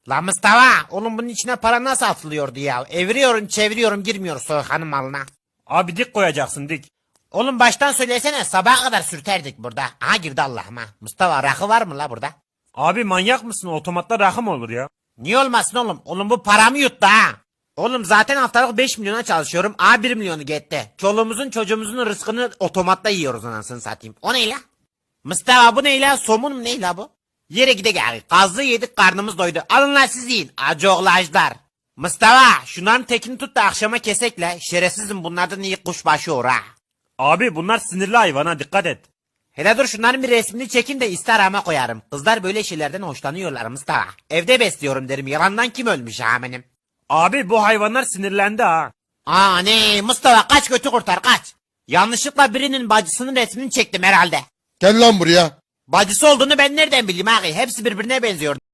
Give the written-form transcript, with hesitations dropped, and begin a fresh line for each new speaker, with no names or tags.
La Mustafa, oğlum bunun içine para nasıl atılıyordu ya? Eviriyorum çeviriyorum girmiyor soykanın malına.
Abi dik koyacaksın dik.
Oğlum baştan söylesene, sabaha kadar sürterdik burada. Aha girdi Allah'ıma. Mustafa, rakı var mı la burada?
Abi manyak mısın? Otomatta rakı mı olur ya?
Niye olmasın oğlum? Oğlum bu paramı yuttu ha. Oğlum zaten haftalık 5 milyona çalışıyorum. 1 milyonu gitti. Çoluğumuzun çocuğumuzun rızkını otomatta yiyoruz anasını satayım. O ne la? Mustafa bu ne la? Somun mu ne la bu? Yere gide gel. Kazlı yedik karnımız doydu. Alın lan siz yiyin. Acı oğlajlar. Mustafa şunların tekini tut da akşama kesekle. Şerefsizim bunlardan iyi kuşbaşı olur ha.
Abi bunlar sinirli hayvana dikkat et.
Hele dur şunların bir resmini çekin de Instagram'a koyarım. Kızlar böyle şeylerden hoşlanıyorlar Mustafa. Evde besliyorum derim. Yalandan kim ölmüş ha benim?
Abi bu hayvanlar sinirlendi ha.
Aa ne Mustafa, kaç götü kurtar kaç. Yanlışlıkla birinin bacısının resmini çektim herhalde.
Gel lan buraya.
Bacısı olduğunu ben nereden bileyim abi? Hepsi birbirine benziyor.